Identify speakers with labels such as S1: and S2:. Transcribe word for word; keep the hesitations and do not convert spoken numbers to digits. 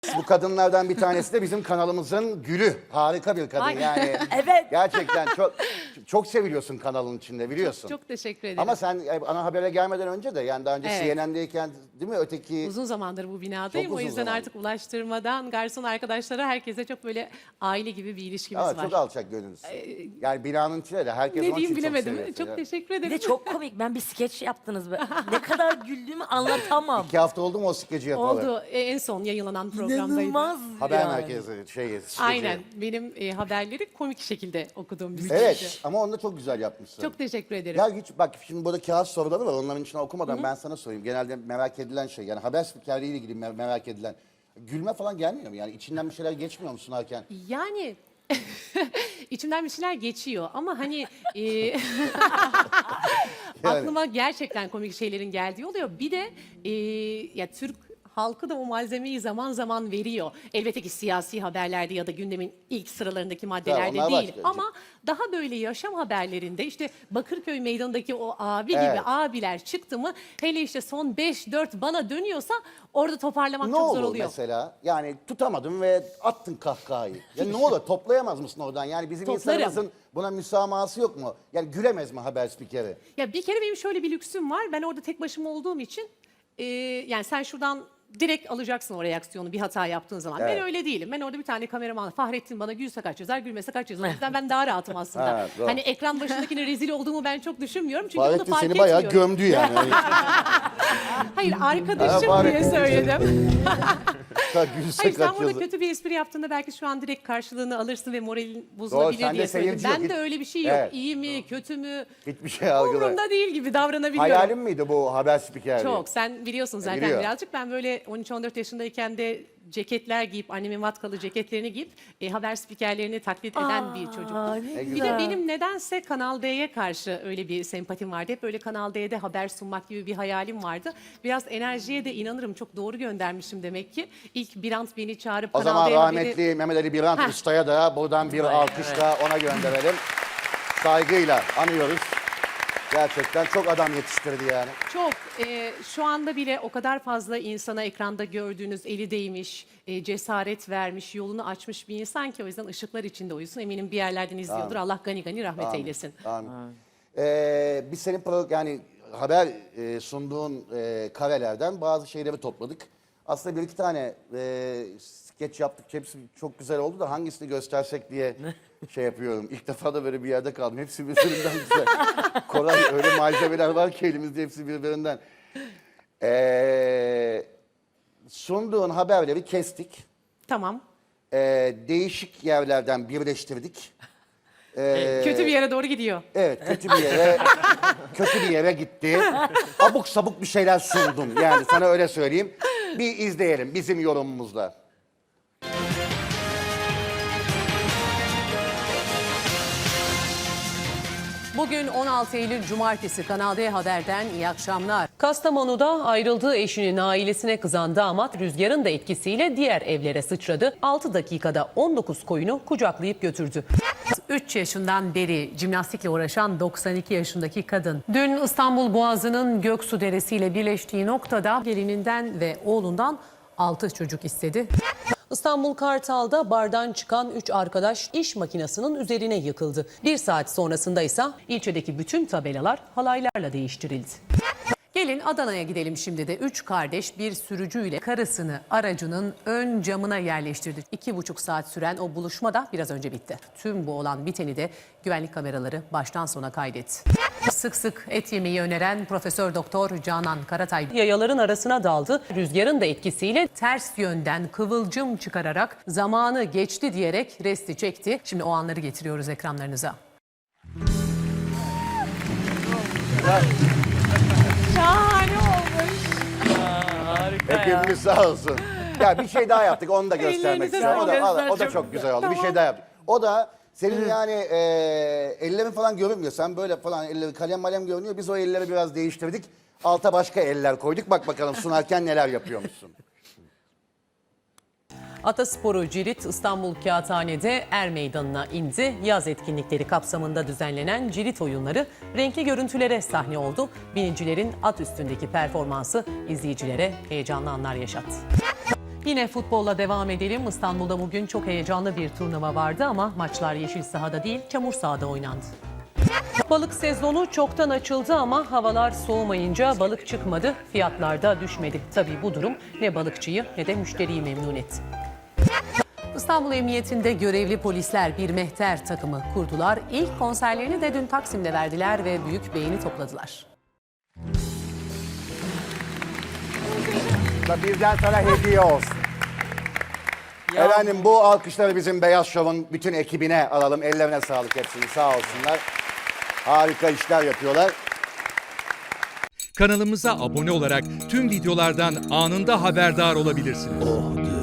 S1: Bu kadınlardan bir tanesi de bizim kanalımızın gülü. Harika bir kadın
S2: Ay.
S1: yani.
S3: Evet.
S1: Gerçekten çok çok seviliyorsun kanalın içinde biliyorsun.
S2: Çok teşekkür ederim.
S1: Ama sen e, ana habere gelmeden önce de yani daha önce
S2: Evet.
S1: C N N'deyken değil mi öteki...
S2: Uzun zamandır bu binadayım.
S1: Çok
S2: O
S1: uzun
S2: yüzden
S1: zamandır.
S2: artık ulaştırmadan garson arkadaşlara herkese çok böyle aile gibi bir ilişkimiz
S1: Evet,
S2: var.
S1: çok alçak gönüllüsün. Yani binanın içinde de herkes
S2: Ne
S1: onun
S2: diyeyim
S1: için çok
S2: bilemedim.
S1: seviyor
S2: Çok,
S1: seni.
S2: teşekkür
S3: Bir
S2: ederim.
S3: de çok komik. Ben bir skeç yaptınız. Be. Ne kadar güldüğümü anlatamam.
S1: İki hafta oldu mu o skeci yapalı?
S2: Oldu. E, en son yayınlanan programdaydı.
S3: İnanılmaz
S1: Haber
S3: yani.
S1: merkezi şey. skeci.
S2: Aynen. Benim e, haberleri komik şekilde okuduğum bir skeci.
S1: Evet ama onu da çok güzel yapmışsın.
S2: Çok teşekkür ederim.
S1: Ya hiç bak şimdi burada kağıt soruları var. Onların içine okumadan ben sana sorayım. Genelde merak edilen şey yani haber spikerliğiyle ilgili me- merak edilen. Gülme falan gelmiyor mu? Yani içinden bir şeyler geçmiyor mu sunarken?
S2: Yani içimden bir şeyler geçiyor ama hani e, aklıma gerçekten komik şeylerin geldiği oluyor. Bir de e, ya Türk halkı da o malzemeyi zaman zaman veriyor. Elbette ki siyasi haberlerde ya da gündemin ilk sıralarındaki maddelerde
S1: onlar
S2: değil.
S1: başka.
S2: Ama daha böyle yaşam haberlerinde işte Bakırköy meydanındaki o abi
S1: Evet.
S2: gibi abiler çıktı mı hele işte son beş dört bana dönüyorsa orada toparlamak
S1: Ne
S2: çok
S1: olur
S2: zor oluyor.
S1: mesela? Yani tutamadın ve attın kahkahayı. Ya ne olur toplayamaz mısın oradan? Yani bizim
S2: Toplarım.
S1: insanımızın buna müsamahası yok mu? Yani gülemez mi haber spikeri?
S2: Ya bir kere benim şöyle bir lüksüm var. Ben orada tek başıma olduğum için e, yani sen şuradan direkt alacaksın o reaksiyonu bir hata yaptığın zaman.
S1: Evet.
S2: Ben öyle değilim. Ben orada bir tane kameraman Fahrettin bana gülse kaç yazar, gülmese kaç yazar. O yüzden ben daha rahatım aslında.
S1: Ha, doğru.
S2: Hani ekran başındakine rezil olduğumu ben çok düşünmüyorum. Çünkü
S1: Fahrettin
S2: bunu fark
S1: seni bayağı
S2: etmiyorum.
S1: gömdü yani.
S2: Hayır
S1: Ha,
S2: arkadaşım diye
S1: Fahrettin.
S2: söyledim.
S1: Ha, gülse
S2: Hayır sen
S1: kaç
S2: burada
S1: yazı.
S2: kötü bir espri yaptığında belki şu an direkt karşılığını alırsın ve moralin
S1: Doğru,
S2: bozulabilir
S1: sende
S2: diye söyledim.
S1: seyirci yok.
S2: Ben de
S1: Hiç-
S2: öyle bir şey yok.
S1: Evet.
S2: İyi mi, kötü mü?
S1: Hiçbir şey algılamıyor.
S2: Umurumda değil gibi davranabiliyorum.
S1: Hayalin miydi bu haber spikerliği?
S2: Çok. Sen biliyorsun zaten
S1: biliyor.
S2: birazcık. Ben böyle on üç on dört yaşındayken de ceketler giyip, annemin vatkalı ceketlerini giyip e, haber spikerlerini taklit eden bir çocuktum.
S3: Aa, ne
S1: Ne
S2: Bir
S1: güzel.
S2: de benim nedense Kanal D'ye karşı öyle bir sempatim vardı. Hep böyle Kanal D'de haber sunmak gibi bir hayalim vardı. Biraz enerjiye de inanırım. Çok doğru göndermişim demek ki. İlk Birant beni çağırıp
S1: O
S2: Kanal
S1: zaman
S2: D haberi-
S1: rahmetli Mehmet Ali Birant
S2: Heh.
S1: Usta'ya da buradan bir alkışla ona gönderelim. Saygıyla anıyoruz. Gerçekten çok adam yetiştirdi yani.
S2: Çok. e, şu anda bile o kadar fazla insana ekranda gördüğünüz eli değmiş, e, cesaret vermiş, yolunu açmış bir insan ki o yüzden ışıklar içinde uyusun. Eminim bir yerlerden izliyordur. Allah gani gani rahmet eylesin.
S1: Amin. Ee, biz senin pro, yani haber e, sunduğun e, karelerden bazı şeyleri topladık. Aslında bir iki tane e, skeç yaptık. Hepsi çok güzel oldu da hangisini göstersek diye şey yapıyorum. İlk defa da böyle bir yerde kaldım. Hepsi birbirinden güzel. Koray öyle malzemeler var ki elimizde hepsi birbirinden. Ee, sunduğun haberleri kestik.
S2: Tamam.
S1: Ee, değişik yerlerden birleştirdik. Ee,
S2: Kötü bir yere doğru gidiyor.
S1: Evet kötü bir yere kötü bir yere gitti. Abuk sabuk bir şeyler sundum. Yani sana öyle söyleyeyim. Bir izleyelim bizim yorumumuzla.
S2: Bugün on altı Eylül Cumartesi Kanal D Haber'den iyi akşamlar.
S4: Kastamonu'da ayrıldığı eşinin ailesine kızan damat rüzgarın da etkisiyle diğer evlere sıçradı. altı dakikada on dokuz koyunu kucaklayıp götürdü.
S2: üç yaşından beri jimnastikle uğraşan doksan iki yaşındaki kadın. Dün İstanbul Boğazı'nın Göksu Deresi ile birleştiği noktada gelininden ve oğlundan altı çocuk istedi.
S4: İstanbul Kartal'da bardan çıkan üç arkadaş iş makinesinin üzerine yıkıldı. Bir saat sonrasında ise ilçedeki bütün tabelalar halaylarla değiştirildi.
S2: Gelin Adana'ya gidelim şimdi de. Üç kardeş bir sürücüyle karısını aracının ön camına yerleştirdi. İki buçuk saat süren o buluşma da biraz önce bitti. Tüm bu olan biteni de güvenlik kameraları baştan sona kaydetti. Sık sık et yemeyi öneren Profesör Doktor Canan Karatay
S4: Yayaların arasına daldı. Rüzgarın da etkisiyle
S2: ters yönden kıvılcım çıkararak zamanı geçti diyerek resti çekti. Şimdi o anları getiriyoruz ekranlarınıza. Şahane olmuş.
S1: Hepimiz sağ olsun. Ya bir şey daha yaptık onu da göstermek
S2: Ellerinize
S1: istiyorum. O da,
S2: sağlık.
S1: o da
S2: Çok
S1: çok güzel oldu. Bir
S2: Tamam.
S1: şey daha yaptık. O da senin yani e, ellerin falan görünmüyor. Sen böyle falan elleri kalem malem görünüyor. Biz o elleri biraz değiştirdik. Alta başka eller koyduk. Bak bakalım sunarken neler yapıyormuşsun.
S4: Atasporu Cirit İstanbul Kağıthane'de Er Meydanı'na indi. Yaz etkinlikleri kapsamında düzenlenen Cirit oyunları renkli görüntülere sahne oldu. Binicilerin at üstündeki performansı izleyicilere heyecanlı anlar yaşattı.
S2: Yine futbolla devam edelim. İstanbul'da bugün çok heyecanlı bir turnuva vardı ama maçlar yeşil sahada değil, çamur sahada oynandı. Balık sezonu çoktan açıldı ama havalar soğumayınca balık çıkmadı, fiyatlar da düşmedi. Tabii bu durum ne balıkçıyı ne de müşteriyi memnun etti. İstanbul Emniyetinde görevli polisler bir mehter takımı kurdular. İlk konserlerini de dün Taksim'de verdiler ve büyük beğeni topladılar.
S1: Bizden sana hediye olsun. Efendim bu alkışları bizim Beyaz Şov'un bütün ekibine alalım. Ellerine sağlık hepsini, sağ olsunlar. Harika işler yapıyorlar.
S5: Kanalımıza abone olarak tüm videolardan anında haberdar olabilirsiniz.